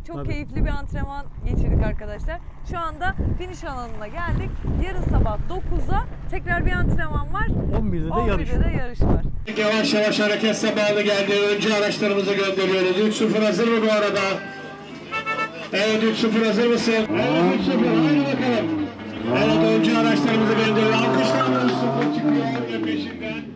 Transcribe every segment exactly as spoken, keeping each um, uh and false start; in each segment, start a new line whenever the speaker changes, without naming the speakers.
Çok
Tabii.
keyifli bir antrenman geçirdik arkadaşlar. Şu anda finish alanına geldik. Yarın sabah dokuzda tekrar bir antrenman var.
on birde de yarış.
on birde de yarış var.
Yavaş yavaş hareket zamanı geldi. Önce araçlarımızı gönderiyoruz. üç sıfır hazır mı bu arada? Evet, üç sıfır hazır mısın? Evet, üç sıfır. Haydi bakalım. Evet, önce araçlarımızı gönderiyoruz. Alkışlarla üç sıfır çıkıyor ve peşinden.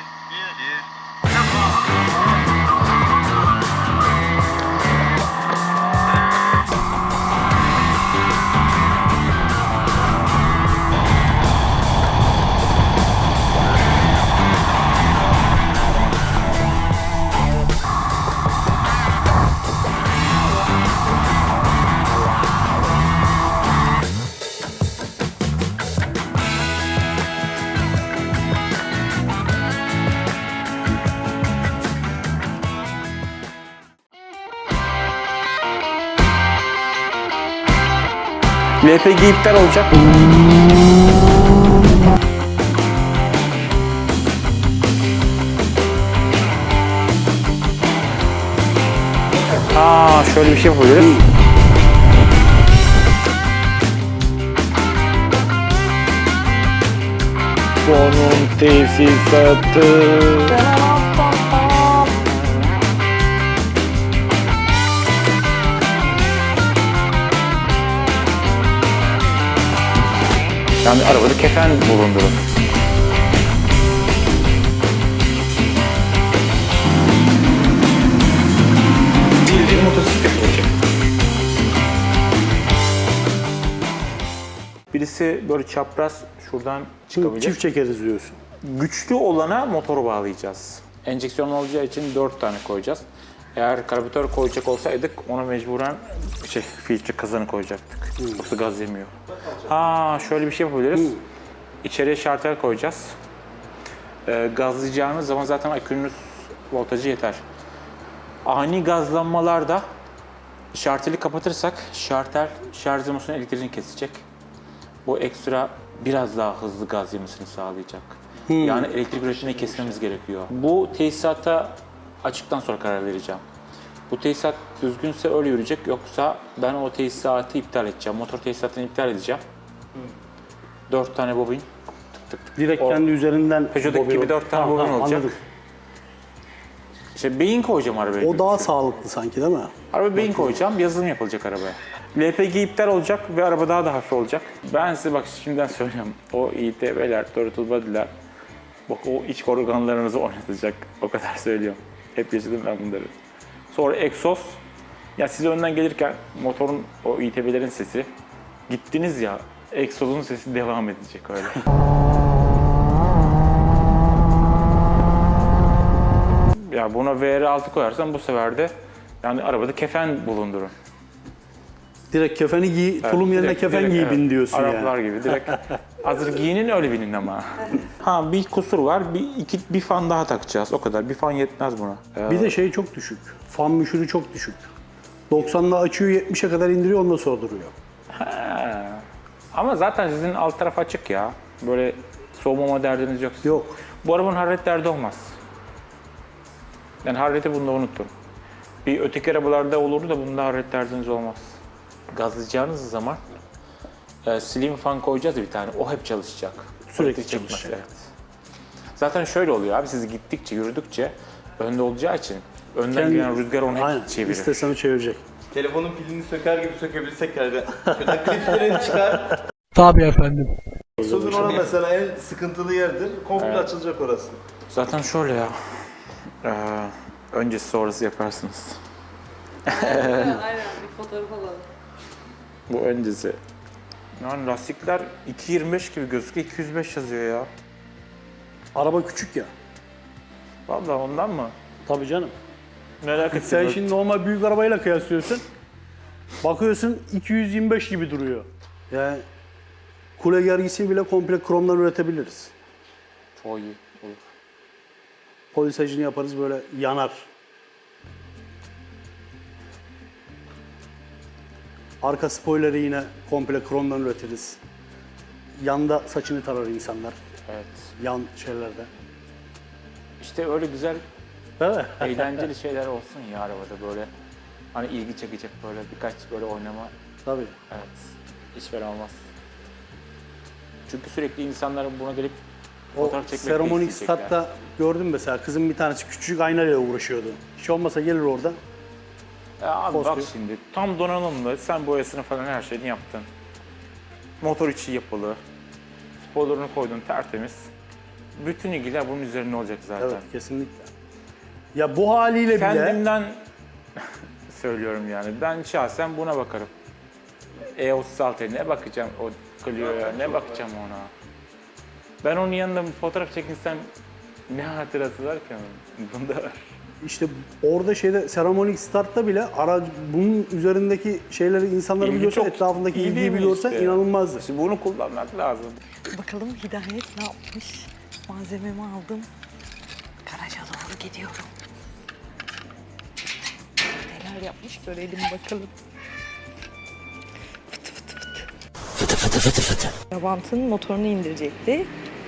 L P G iptal olacak. Aa, şöyle bir şey yapabiliriz. Sonun tesisatı. Yani arabada kefen bulundurun. Bildiğin motosiklet olacak. Birisi böyle çapraz şuradan çıkabilir.
Çift çekeriz diyorsun.
Güçlü olana motoru bağlayacağız. Enjeksiyon olacağı için dört tane koyacağız. Eğer karbüratör koyacak olsaydık ona mecburen şey, filtre kazanı koyacaktık. Hmm. Yoksa gaz yemiyor. Ha, şöyle bir şey yapabiliriz. Hmm. İçeriye şartel koyacağız. Ee, gazlayacağınız zaman zaten akünüz voltajı yeter. Ani gazlanmalarda şarteli kapatırsak şartel şarj demosunun elektriğini kesecek. Bu ekstra biraz daha hızlı gaz yemesini sağlayacak. Hmm. Yani elektrik üretimini kesmemiz gerekiyor. Bu tesisata açıktan sonra karar vereceğim. Bu tesisat düzgünse öyle yürüyecek, yoksa ben o tesisatı iptal edeceğim. Motor tesisatını iptal edeceğim. Hmm. Dört tane bobin. Tık tık tık.
Direkt
o,
kendi üzerinden
Peugeot'daki gibi dört tane bobin olacak. Anladım. İşte beyin koyacağım arabaya.
O daha sağlıklı sanki değil mi?
Araba beyin koyacağım, yazılım yapılacak arabaya. L P G iptal olacak ve araba daha da hafif olacak. Ben size bak şimdiden söyleyeyim. O İ T B'ler, throttle body'ler, bak o iç organlarınızı oynatacak. O kadar söylüyorum. Hep yaşadım ben bunları. Sonra egzoz. Ya siz önden gelirken motorun o İ T B'lerin sesi, gittiniz ya, egzozun sesi devam edecek öyle. Ya buna V R altı koyarsan bu sefer de yani arabada kefen bulundurun.
Direkt kefeni giy, evet, tulum yerine
direkt,
kefen
direkt,
giy
evet.
bin diyorsun yani.
Araplar gibi direkt. Hazır giyinin öyle binin ama. Ha, bir kusur var, bir iki bir fan daha takacağız, o kadar. Bir fan yetmez buna. Ee,
Bir de şey çok düşük, fan müşürü çok düşük. doksanla açıyor, yetmişe kadar indiriyor, ondan sonra duruyor.
He. Ama zaten sizin alt taraf açık ya. Böyle soğumama derdiniz yok.
Yok.
Bu arabanın hararet derdi olmaz. Yani harareti bunda unuttum. Bir öteki arabalarda olurdu da bunda hararet derdiniz olmaz. Gazlayacağınız zaman e, slim fan koyacağız bir tane. O hep çalışacak.
Sürekli çalışacak.
Evet. Zaten şöyle oluyor abi, siz gittikçe, yürüdükçe önde olacağı için önden
Kendi,
gelen rüzgar onu hep
aynen,
çevirir.
İstesen o çevirecek.
Telefonun pilini söker gibi sökebilsek herhalde. Şurada kliplerini çıkar.
Tabii efendim.
Sözün ona mesela en sıkıntılı yerdir. Komple evet. Açılacak orası.
Zaten şöyle ya. Ee, öncesi sonrası yaparsınız.
Aynen, bir fotoğraf alalım.
Bu öncesi. Yani lastikler iki yirmi beş gibi gözüküyor, iki yüz beş yazıyor ya.
Araba küçük ya.
Vallahi ondan mı?
Tabii canım.
Merak ettim.
Sen şimdi normal büyük arabayla kıyaslıyorsun. Bakıyorsun iki yüz yirmi beş gibi duruyor. Yani kule gergisi bile komple kromdan üretebiliriz.
Çok iyi olur.
Polisajını yaparız, böyle yanar. Arka spoiler'ı yine komple kromdan üretiriz. Yanda saçını tarar insanlar.
Evet.
Yan şeylerde.
İşte öyle güzel,
Değil mi?
eğlenceli şeyler olsun ya arabada böyle. Hani ilgi çekecek böyle birkaç böyle oynama.
Tabii.
Evet. Hiç fena olmaz. Çünkü sürekli insanların buna gelip
O
fotoğraf çekmek
seremonik
isteyecekler.
statta gördüm mesela kızın bir tanesi küçücük aynayla uğraşıyordu. Hiç olmasa gelir orada.
Ya abi bak
Post
şimdi tam donanımlı, sen boyasını falan her şeyini yaptın. Motor içi yapılı. Spoiler'ını koydun tertemiz. Bütün ilgiler bunun üzerine olacak zaten.
Evet, kesinlikle. Ya bu haliyle bile
Kendimden söylüyorum yani. Ben şahsen buna bakarım. E otuz altıya ne bakacağım o Clio'ya, ne bakacağım ona. Ben onun yanında bir fotoğraf çekinsem ne hatırası var ki onun? Bunda var.
işte orada şeyde seremonik startta bile aracı bunun üzerindeki şeyleri insanları
İlgi
biliyorsa,
çok
etrafındaki
iyi değil
ilgiyi
mi
biliyorsa
işte?
inanılmazdı.
İşte bunu kullanmak lazım.
Bakalım Hidayet ne yapmış? Malzememi aldım. Garaja doğru gidiyorum. Neler yapmış görelim bakalım. Fıtı fıtı fıtı. Fıtı fıtı fıtı fıtı. Trabant'ın motorunu indirecekti.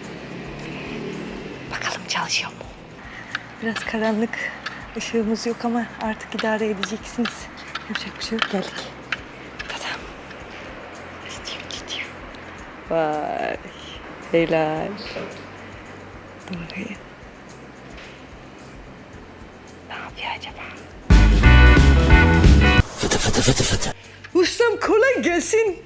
Bakalım çalışıyor mu? Biraz karanlık. Işığımız yok ama artık idare edeceksiniz. Yapacak bir şey yok. Geldik. Tadam. Gidiyor, gidiyor. Vay. Helal. Doğru. Ne yapıyor acaba? Fıtı fıtı fıtı fıtı. Ustam kolay gelsin.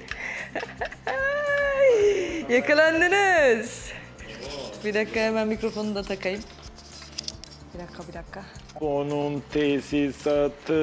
Yakalandınız. Bir dakika hemen mikrofonu da takayım. Bir dakika bir dakika.
Onun tesisatı.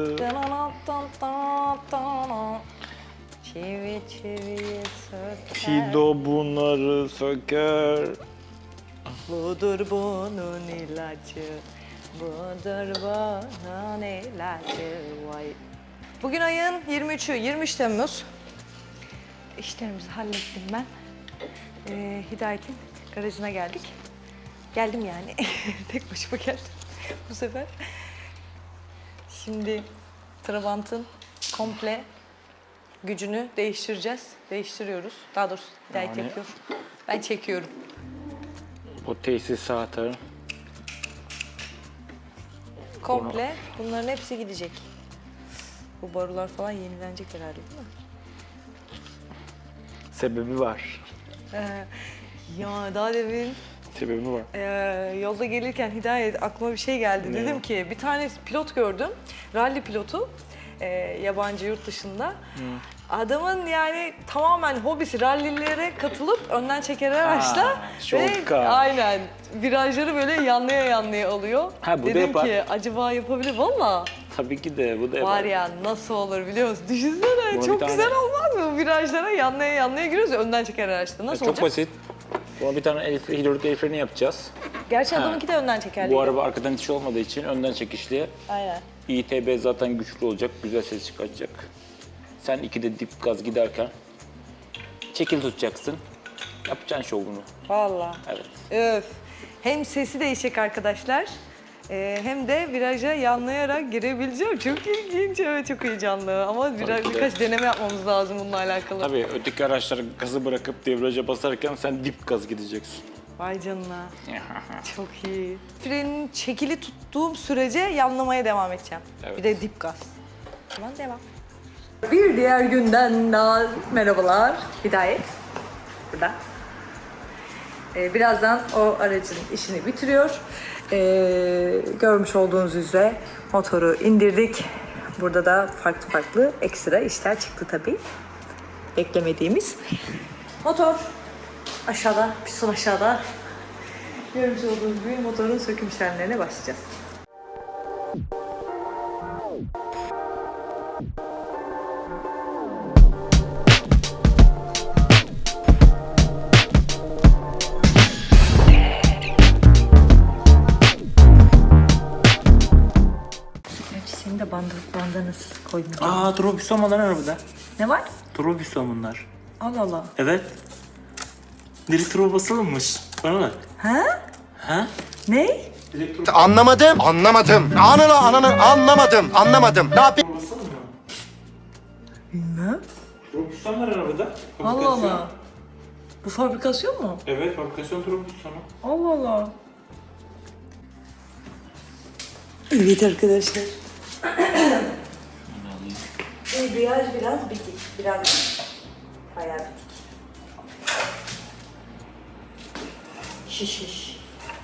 Çivi çiviye söker.
Fido bunları söker.
Budur bunun ilacı. Budur bunun ilacı. Vay. Bugün ayın yirmi üçü, yirmi üç Temmuz. İşlerimizi hallettim ben. Ee, Hidayet'in garajına geldik. Geldim yani. Tek başıma geldim bu sefer. Şimdi Trabant'ın komple gücünü değiştireceğiz. Değiştiriyoruz. Daha doğrusu Hidayet
Yani-
yapıyor. Ben çekiyorum.
O tesisatı.
Komple bunların hepsi gidecek. Bu borular falan yenilenecek herhalde değil mi?
Sebebi var.
Ee, ya daha demin
Sebebi var.
e, yolda gelirken Hidayet aklıma bir şey geldi.
Ne?
Dedim ki bir tane pilot gördüm. Rally pilotu. e, yabancı yurt dışında. Adamın yani tamamen hobisi rallilere katılıp önden çeker araçla
şoka.
aynen virajları böyle yanlaya yanlaya alıyor.
Ha, bu da
Dedim
yapar.
ki acaba yapabilir valla.
Tabii ki de bu da
Var
yapar.
ya nasıl olur biliyor musun? Düşünsene
Buna
çok
bir tane-
güzel olmaz mı? Virajlara yanlaya yanlaya giriyoruz ya önden çeker araçta. Nasıl
Çok
olacak?
basit. Buna bir tane el, hidrolik el freni yapacağız.
Gerçi
Ha.
adamınki de önden çekerli.
Bu araba arkadan itiş olmadığı için önden çekişli.
Aynen.
İ T B zaten güçlü olacak, güzel ses çıkartacak. Sen ikide dip gaz giderken çekil tutacaksın. Yapacaksın şovunu.
Valla.
Evet.
Öf. Hem sesi değişecek arkadaşlar. e, hem de viraja yanlayarak girebileceğim. Çok ilginç, evet çok heyecanlı. Ama biraz,
ki de.
birkaç deneme yapmamız lazım bununla alakalı.
Tabii öteki araçlar gazı bırakıp debriyaja basarken sen dip gaz gideceksin.
Vay canına. Çok iyi. Frenin çekili tuttuğum sürece yanlamaya devam edeceğim.
Evet.
Bir de dip gaz. Tamam devam. Bir diğer günden daha merhabalar. Hidayet. Burada. Ee, birazdan o aracın işini bitiriyor. Ee, görmüş olduğunuz üzere motoru indirdik. Burada da farklı farklı ekstra işler çıktı tabii. Beklemediğimiz. Motor aşağıda, piston aşağıda. Görmüş olduğunuz gibi motorun söküm işlemlerine başlayacağız. Gerçi senin de bandı, bandanası koydum.
Aa trobüs olmadan arabada.
Ne var?
Trobüs bunlar.
Allah Allah.
Evet. Direkt turbo basılmış. Bana bak.
Ha?
Ha?
Ne?
Anlamadım. Anlamadım. Ananı ananı anlamadım. Anlamadım. Ne yapayım?
Bilmem.
Trobüs var arabada.
Allah Allah. Bu fabrikasyon mu?
Evet fabrikasyon trobüs sonu.
Allah Allah. Evet arkadaşlar. debriyaj biraz bitik. Biraz bayağı bitik. Şiş şiş.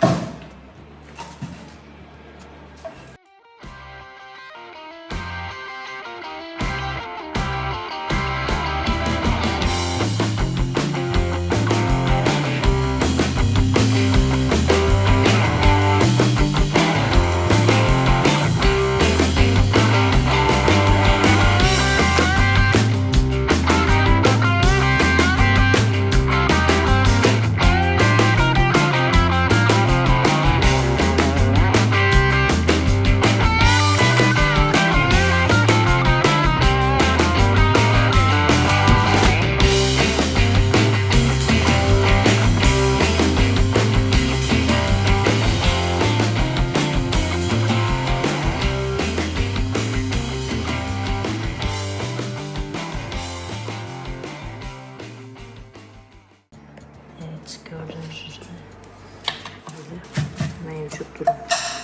Evet, gördüğünüz üzere böyle mevcut durum.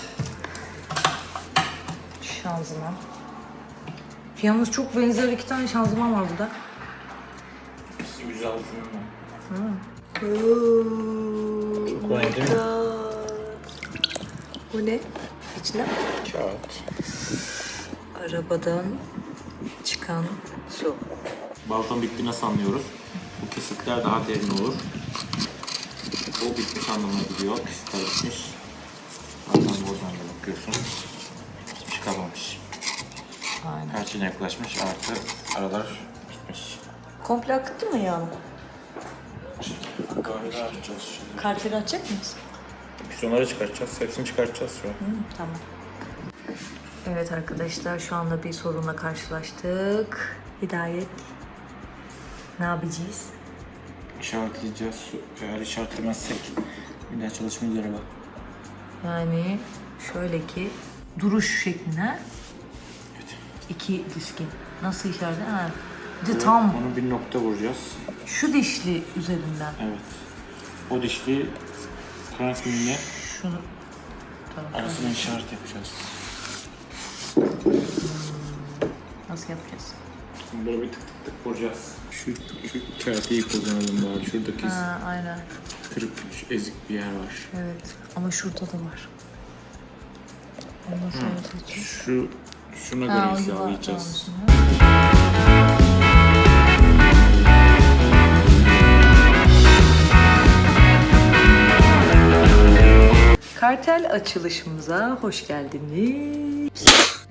Şanzıman. Yalnız çok benzer iki tane şanzıman var burada.
yüz altı mı?
Çok
kolay değil mi?
Bu ne? İçine
Kağıt.
arabadan çıkan su.
Balkon bitti nasıl anlıyoruz? Bu kesikler daha derin olur. Bu bitmiş anlamına geliyor. Kesikler bitmiş. Zaten buradan da bakıyorsun. Hiçbir şey kalmamış.
Aynen.
Her şeyine yaklaşmış artı aralar bitmiş.
Komple akıttı mı yağını?
Kahvede açacağız şimdi.
Karteri açacak mıyız?
Biz onları çıkartacağız. Hepsini çıkartacağız şu an.
Hı, tamam. Evet arkadaşlar, şu anda bir sorunla karşılaştık. Hidayet. Ne yapacağız?
İşaretleyeceğiz. Eğer işaretlemezsek bir daha çalışmayacak araba.
Yani şöyle ki duruş şekline
Evet.
iki diskin. Nasıl işaret? Ha. Bir de tam
Onu bir nokta vuracağız.
şu dişli üzerinden.
Evet. O dişli transminle
Şunu. Tamam.
arasına işaret yapacağız.
Nasıl yapacağız?
Böyle bir tık tık tık vuracağız. Şu, şu kağıtı iyi kullanalım bari. Şuradaki
Ha, aynen.
kırık, şu ezik bir yer var.
Evet. Ama şurada da var. Onu nasıl yapacağız?
Şu, şuna
Ha,
göre
o
hizalayacağız.
yuvarlağı. Kartel açılışımıza hoş geldiniz.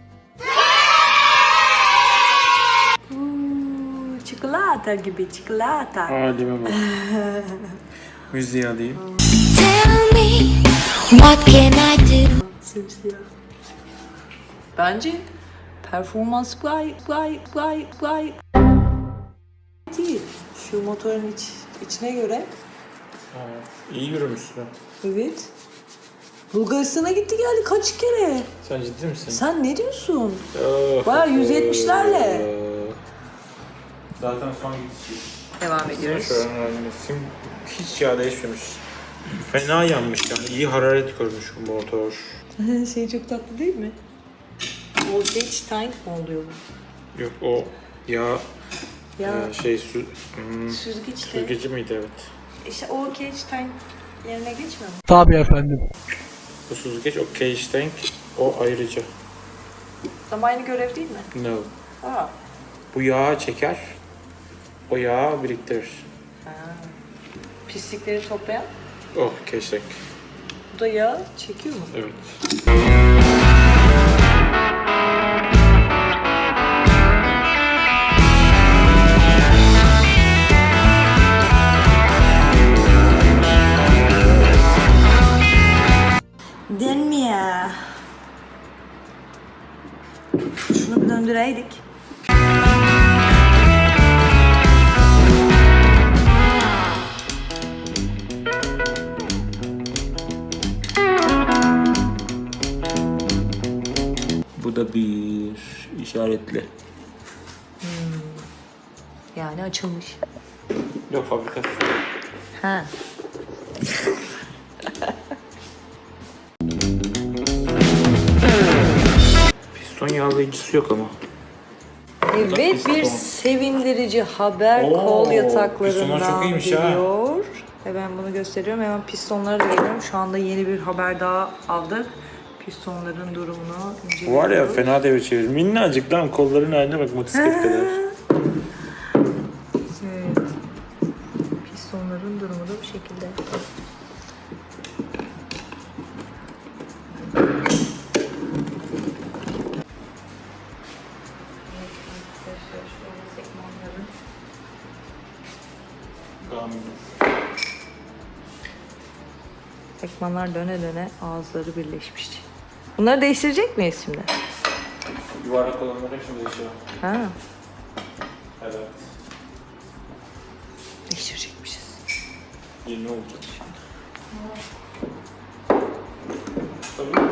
Uuu, çikolata gibi çikolata.
Halime bak. Müziği alayım.
Tell me, what can I do?
Simsiyah. Bence performans gay gay gay gay değil. Şu motorun iç, içine göre.
İyi yürümüşsün.
Evet. Bulgaristan'a gitti geldi kaç kere.
Sen ciddi misin?
Sen ne diyorsun?
Oh,
Bayağı yüz yetmişlerle.
Zaten son gidişi.
Devam ediyoruz.
Şu an halinde sim hiç yağ değişmemiş. Fena yanmış yani. İyi hararet görmüş bu motor.
Şey çok tatlı değil mi? Voltage tank mı oluyor bu?
Yok o yağ
Ya
e, şey su, hmm,
süzgeç de.
süzgeci miydi evet.
İşte o cage tank yerine geçmiyor mu?
Bu süzgeç o cage tank o ayrıca.
Ama aynı görev değil mi?
No.
Aa.
Bu yağı çeker. O yağı biriktirir.
Pislikleri toplayan.
Oh cage tank.
Bu da yağ çekiyor mu?
Evet.
Denmiyor. Şunu bir döndüreydik.
Bu da bir işaretli.
Yani açılmış.
Yok fabrikası.
Ha.
Piston yağlayıcısı yok ama.
Evet, bir sevindirici haber
Oo,
kol
pistonlar
yataklarından
çok iyiymiş ha.
geliyor. Hemen bunu gösteriyorum. Hemen pistonlara da geliyorum. Şu anda yeni bir haber daha aldık. Pistonların durumunu inceliyoruz.
Var ya fena devir çevir. Minnacık lan kolların haline bak motosiklet kadar.
Evet. Pistonların durumu da bu şekilde. Sekmanlar döne döne ağızları birleşmiş. Bunları değiştirecek miyiz şimdi?
Yuvarlak olanlar hepsini değişiyor.
Ha,
Evet.
değiştirecekmişiz.
Yeni olacak. Tabii.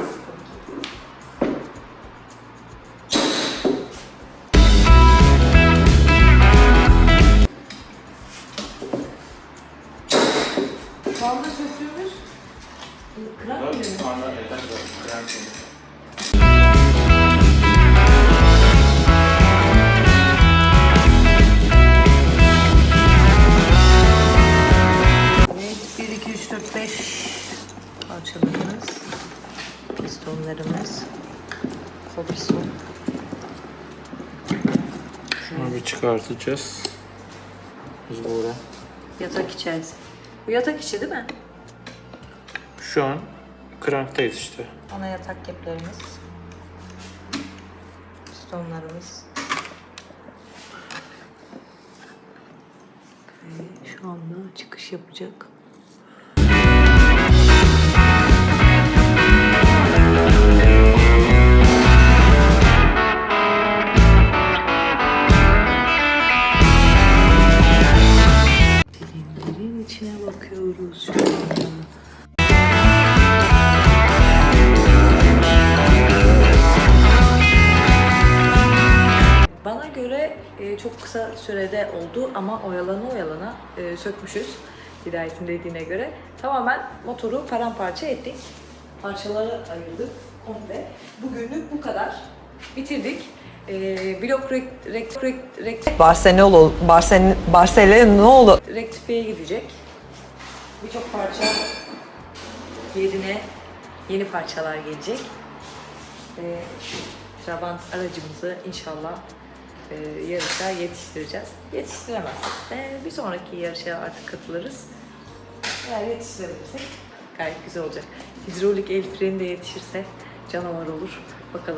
Şu anda söktüğümüz kram mı?
Anlar neden böyle krem koyuyor.
Evet, bir, iki, üç, dört, beş parçalarımız, pistonlarımız, piston.
Şunu bir çıkartacağız. Biz burada.
Yatak içerisi. Bu yatak içi değil mi?
Şu an kranktayız işte.
Ana yatak keplerimiz, pistonlarımız. Ve şu anda çıkış yapacak. Silindirin içine bakıyoruz şu anda. Bana göre e, çok kısa sürede oldu ama oyalana oyalana e, sökmüşüz Hidayet'in dediğine göre. Tamamen motoru paramparça ettik. Parçalara ayırdık komple. Bugünlük bu kadar. Bitirdik. E, blok rek, rek, rek, rek,
Barcelona, Barcelona, Barcelona
rektifiyeye gidecek. Birçok parça yerine yeni parçalar gelecek. Ve Trabant aracımızı inşallah e, yarışa yetiştireceğiz. Yetiştiremezsek de bir sonraki yarışa artık katılırız. Eğer yetiştirebilirsek gayet güzel olacak. Hidrolik el freni de yetişirse canavar olur. Bakalım.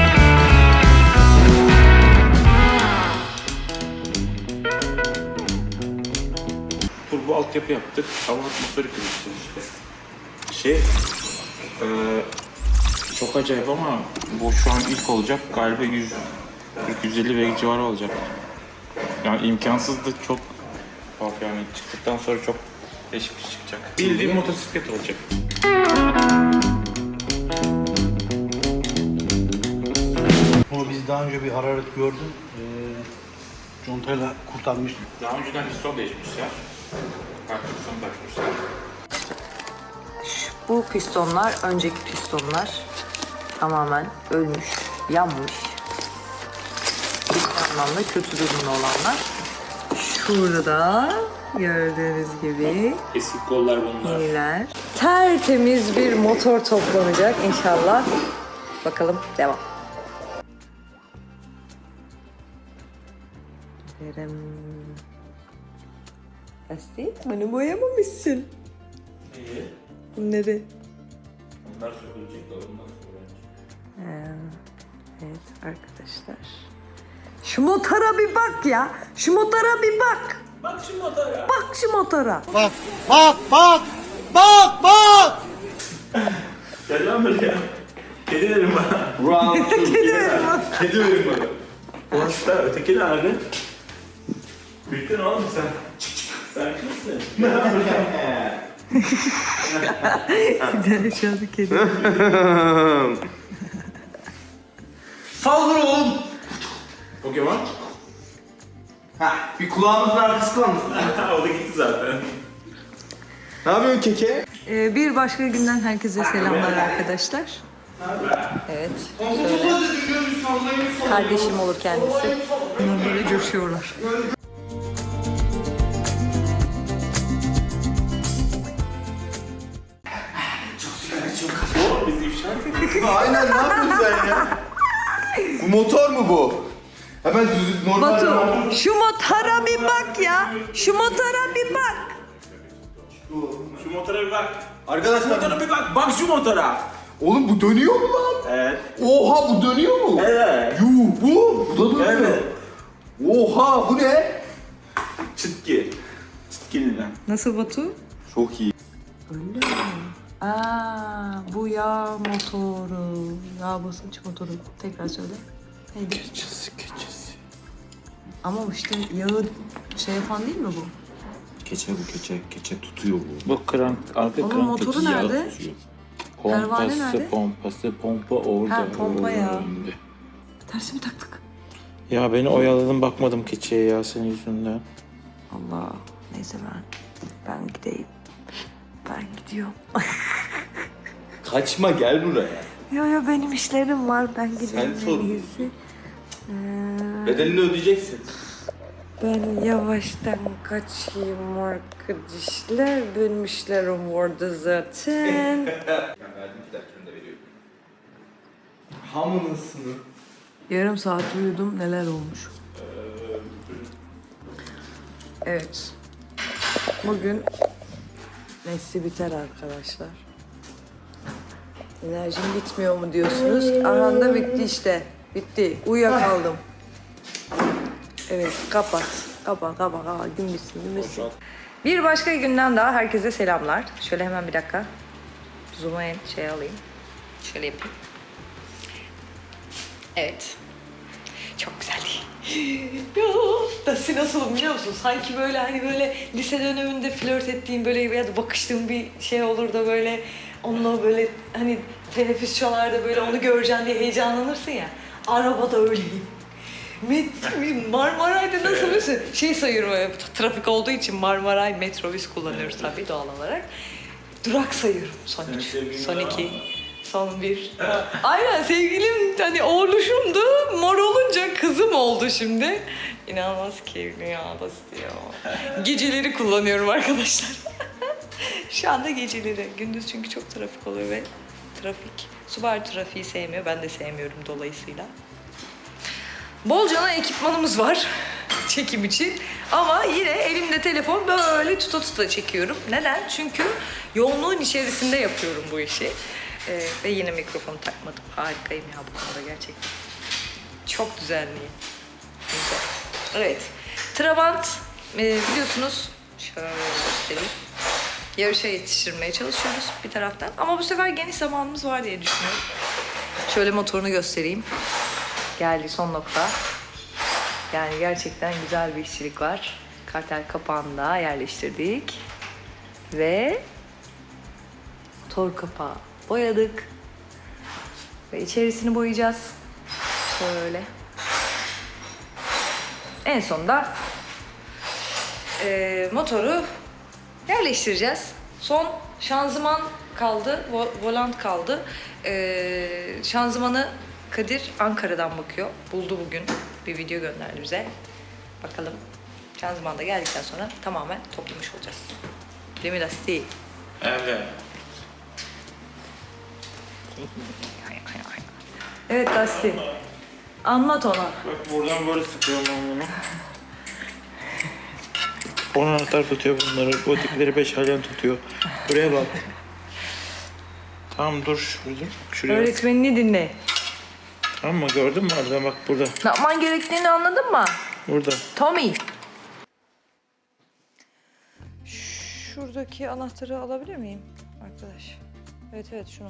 Turbo altyapı yaptık. Hava atmosferi kırmışız. Şey, e, çok acayip ama bu şu an ilk olacak. Galiba yüz kırk yüz elli beygir civarı olacak. Yani imkansızdı, çok bak yani çıktıktan sonra çok değişik bir şey çıkacak. Bildiğin motosiklet olacak.
Bunu biz daha önce bir hararet gördüm. Ee, contayla kurtarmıştık.
Daha önceden piston değişmişler. Farklı piston takmışlar.
Bu pistonlar önceki pistonlar. Tamamen ölmüş, yanmış. Bir anlamda kötü durumda olanlar. Şurada gördüğünüz gibi
Eski kollar bunlar.
yeniler. Tertemiz bir motor toplanacak inşallah. Bakalım devam. Verem. Asti, hani boyamamışsın.
İyi.
Bunları.
Bunlar sökülecek de ondan sonra.
Ee, evet arkadaşlar. Şu motora bir bak ya. Şu motora bir bak.
Bak şu motora.
Bak şu motora.
Bak bak bak bak bak.
Gel lan buraya. Kedi verin bana.
Round two.
Kedi verin bana.
Kedi verin bana. Orası da öteki nerede? Büyüktün oğlum sen. Sen kimsin?
Aşağıda kedi.
Saldır oğlum.
Pokemon.
Ha, bir kulağımızın arkası kalmış.
o da gitti zaten.
Ne yapıyorsun keke?
Ee, bir başka günden herkese selamlar arkadaşlar. Evet. Şöyle. Kardeşim olur kendisi. Bunlar böyle coşuyorlar.
Aynen, ne yapıyorsun sen ya? Bu motor mu bu? Hemen düz normal.
Batu, şu motora bir bak ya. Şu motora bir bak.
Şu motora bir bak. Arkadaşlar motora bir bak.
Bak şu motora.
Oğlum bu dönüyor mu lan?
Evet.
Oha, bu dönüyor mu?
Evet.
Yuh, bu. Bu da dönüyor.
Evet.
Oha, bu ne?
Çıtki. Çıtkili lan.
Nasıl Batu?
Çok iyi.
Aa, bu yağ motoru. Yağ basınç motoru. Tekrar söyle. Neydi?
Keçesi keçesi.
Ama işte yağı şey yapan değil mi bu?
Keçe bu keçe. Keçe tutuyor bu.
Bu krank, arka
Onun
krank
motoru
keçi yağı
nerede?
tutuyor.
Pervane
Pompası,
nerede?
pompası, pompa orada.
Ha, pompa ya.
önünde.
Tersi mi taktık?
Ya beni oyaladın, bakmadım keçiye ya senin yüzünden.
Allah. Neyse ben. Ben gideyim. Ben gidiyorum.
Kaçma, gel buraya.
Yo yo benim işlerim var. Ben gideyim.
Sen sor.
en iyisi. Ee,
Bedelini ödeyeceksin.
Ben yavaştan kaçayım arkadaşlar. Benim işlerim vardı zaten.
Ben verdim, giderken de veriyorum. Hamınısını.
Yarım saat uyudum. Neler olmuş? Evet. Bugün nesli biter arkadaşlar. Enerjim bitmiyor mu diyorsunuz? Aranda bitti işte. Bitti. Uyuyakaldım. Evet, kapat. Kapat, kapat, kapat. Gün bitsin, gün bitsin. Bir başka günden daha herkese selamlar. Şöyle hemen bir dakika. Zoom'a en şey alayım. Şöyle yapayım. Evet. Çok güzel değil. Ya, Dasi nasılım biliyor musun? Sanki böyle hani böyle lise döneminde flört ettiğim böyle ya da bakıştığım bir şey olur da böyle onunla böyle hani teneffüs çalar böyle onu göreceksin diye heyecanlanırsın ya. Arabada öyleyim. Met- Marmaray'da nasıl mesela şey sayıyorum böyle, trafik olduğu için Marmaray metrobüs kullanıyoruz tabii doğal olarak. Durak sayıyorum. Son üç, son iki, son bir. Aynen sevgilim hani oğluşumdu. Mor olunca kızım oldu şimdi. İnanılmaz keyifli ya Basti ya. Geceleri kullanıyorum arkadaşlar. Şu anda geceleri. Gündüz çünkü çok trafik oluyor ve trafik. Subaru trafiği sevmiyor. Ben de sevmiyorum dolayısıyla. Bolcana ekipmanımız var çekim için ama yine elimde telefon böyle tuta tuta çekiyorum. Neden? Çünkü yoğunluğun içerisinde yapıyorum bu işi. Ee, ve yine mikrofonu takmadım. Harikayım ya bu konuda gerçekten. Çok düzenliyim. Güzel. Evet. Trabant e, biliyorsunuz şöyle göstereyim. Yarışa yetiştirmeye çalışıyoruz bir taraftan. Ama bu sefer geniş zamanımız var diye düşünüyorum. Şöyle motorunu göstereyim. Geldi son nokta. Yani gerçekten güzel bir işçilik var. Kartel kapağını da yerleştirdik. Ve motor kapağı boyadık. Ve içerisini boyayacağız. Şöyle. En sonunda e, motoru yerleştireceğiz. Son şanzıman kaldı, vo- volant kaldı. E, şanzımanı Kadir Ankara'dan bakıyor. Buldu bugün. Bir video gönderdi bize. Bakalım. Şanzıman da geldikten sonra tamamen toplamış olacağız. Değil mi Lasti?
Evet.
Evet Lasti. Anlat ona.
Bak buradan böyle sıkıyorum ben bunu. On anahtar tutuyor bunları. Bu dipleri beş alyan tutuyor. Buraya bak. Tamam dur şurada. Şuraya.
Öğretmenini dinle.
Tamam mı? Gördün mü orada? Bak burada.
Ne yapman gerektiğini anladın mı?
Burada.
Tommy. Şuradaki anahtarı alabilir miyim arkadaş? Evet evet şunu.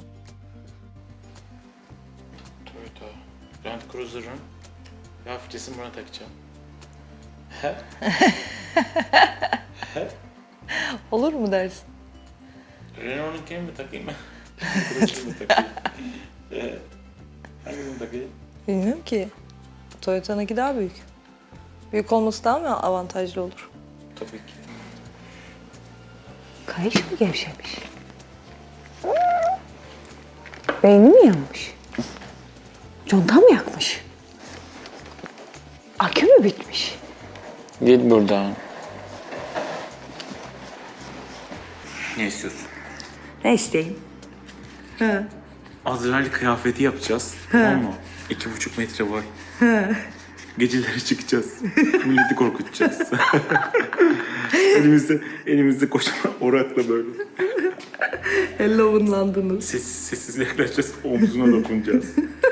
Toyota Land Cruiser'ın yağ filtresini buna takacağım.
Olur mu dersin?
Renault'unkini mi takayım? Cruiser'ı mı takayım? Ee, Hangisini takayım?
Bilmiyorum ki. Toyota'nınki daha büyük. Büyük olması daha mı avantajlı olur?
Tabii ki.
Kayış mı gevşemiş?
Beyni mi yanmış? Conta mı yakmış? Akü mü bitmiş?
Git buradan. Ne istiyorsun?
Ne isteyeyim?
Azrail kıyafeti yapacağız. Tamam mı? İki buçuk metre boy. Geceleri çıkacağız. Milleti korkutacağız. elimizde, elimizde kocaman orakla böyle.
Halloween'landınız.
Sessiz sessiz yaklaşacağız. Omzuna dokunacağız.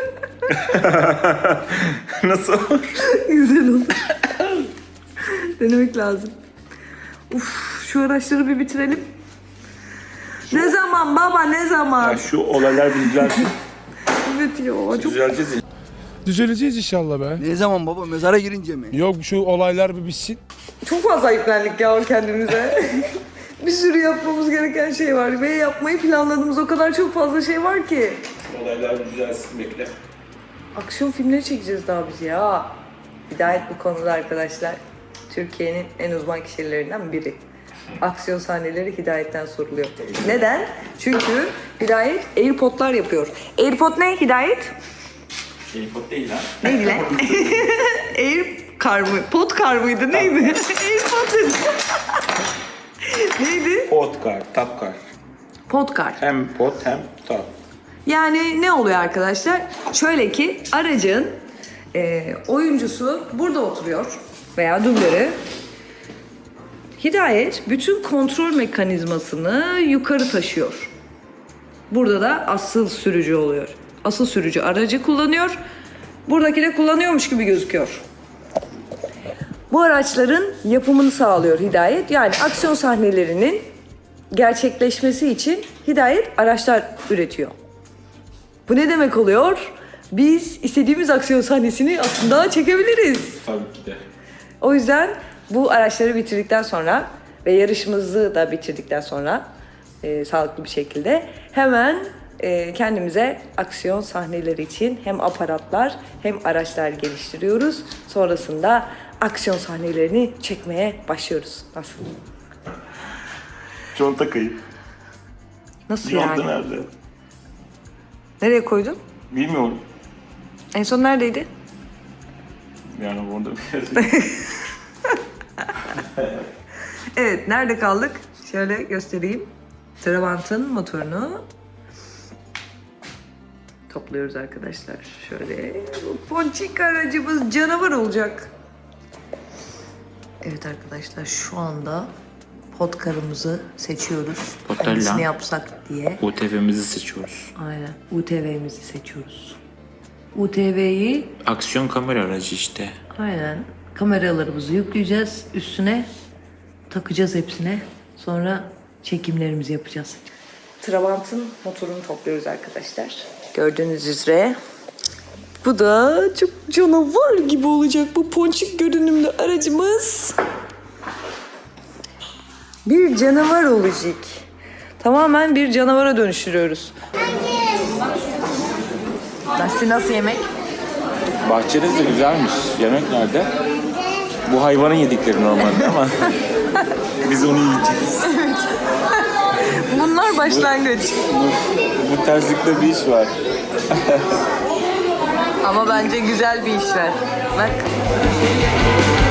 Nasıl olur?
Güzel olur. Denemek lazım. Uf, şu araçları bir bitirelim. Ne zaman baba, ne zaman?
Ya şu olaylar bir düzelsin.
Evet ya, çok...
Düzeleceğiz.
Düzeleceğiz inşallah be.
Ne zaman baba? Mezara girince mi?
Yok şu olaylar bir bitsin.
Çok fazla yüklendik ya kendimize. Bir sürü yapmamız gereken şey var ve yapmayı planladığımız o kadar çok fazla şey var ki.
Olaylar bir düzelsin, bekle.
Aksiyon filmleri çekeceğiz daha biz ya. Hidayet bu konuda arkadaşlar. Türkiye'nin en uzman kişilerinden biri. Aksiyon sahneleri Hidayet'ten soruluyor. Neden? Çünkü Hidayet AirPod'lar yapıyor. AirPod ne Hidayet?
AirPod değil lan.
Neydi lan? Air kar mı? Pod kar mıydı? Neydi? AirPod dedi. Neydi?
Podkar, tapkar.
Podkar.
Hem pod hem tap.
Yani ne oluyor arkadaşlar? Şöyle ki aracın e, oyuncusu burada oturuyor veya dublörü. Hidayet bütün kontrol mekanizmasını yukarı taşıyor. Burada da asıl sürücü oluyor. Asıl sürücü aracı kullanıyor. Buradaki de kullanıyormuş gibi gözüküyor. Bu araçların yapımını sağlıyor Hidayet. Yani aksiyon sahnelerinin gerçekleşmesi için Hidayet araçlar üretiyor. Bu ne demek oluyor? Biz istediğimiz aksiyon sahnesini aslında çekebiliriz.
Tabii ki de.
O yüzden bu araçları bitirdikten sonra ve yarışımızı da bitirdikten sonra e, sağlıklı bir şekilde hemen e, kendimize aksiyon sahneleri için hem aparatlar hem araçlar geliştiriyoruz. Sonrasında aksiyon sahnelerini çekmeye başlıyoruz. Nasıl?
Conta kayıp.
Nasıl
Conta
yani?
nerede?
Nereye koydun?
Bilmiyorum.
En son neredeydi?
Yani orada bir yerde.
Evet, nerede kaldık? Şöyle göstereyim. Trabant'ın motorunu topluyoruz arkadaşlar. Şöyle. Bu ponçik aracımız canavar olacak. Evet arkadaşlar, şu anda podkarımızı seçiyoruz.
Podkarla.
Hangisini yapsak diye.
U T V'mizi seçiyoruz.
Aynen. U T V'mizi seçiyoruz. U T V'yi
Aksiyon kamera aracı işte.
aynen kameralarımızı yükleyeceğiz. Üstüne takacağız hepsine. Sonra çekimlerimizi yapacağız. Trabant'ın motorunu topluyoruz arkadaşlar. Gördüğünüz üzere. Bu da çok canavar gibi olacak bu ponçik görünümlü aracımız. Bir canavar olacak. Tamamen bir canavara dönüştürüyoruz. Nasıl nasıl yemek?
Bahçeniz de güzelmiş. Yemek nerede? Bu hayvanın yedikleri normalde ama biz onu yiyeceğiz.
Bunlar başlangıç.
Bu, bu terslikte bir iş var.
Ama bence güzel bir iş var. Bak.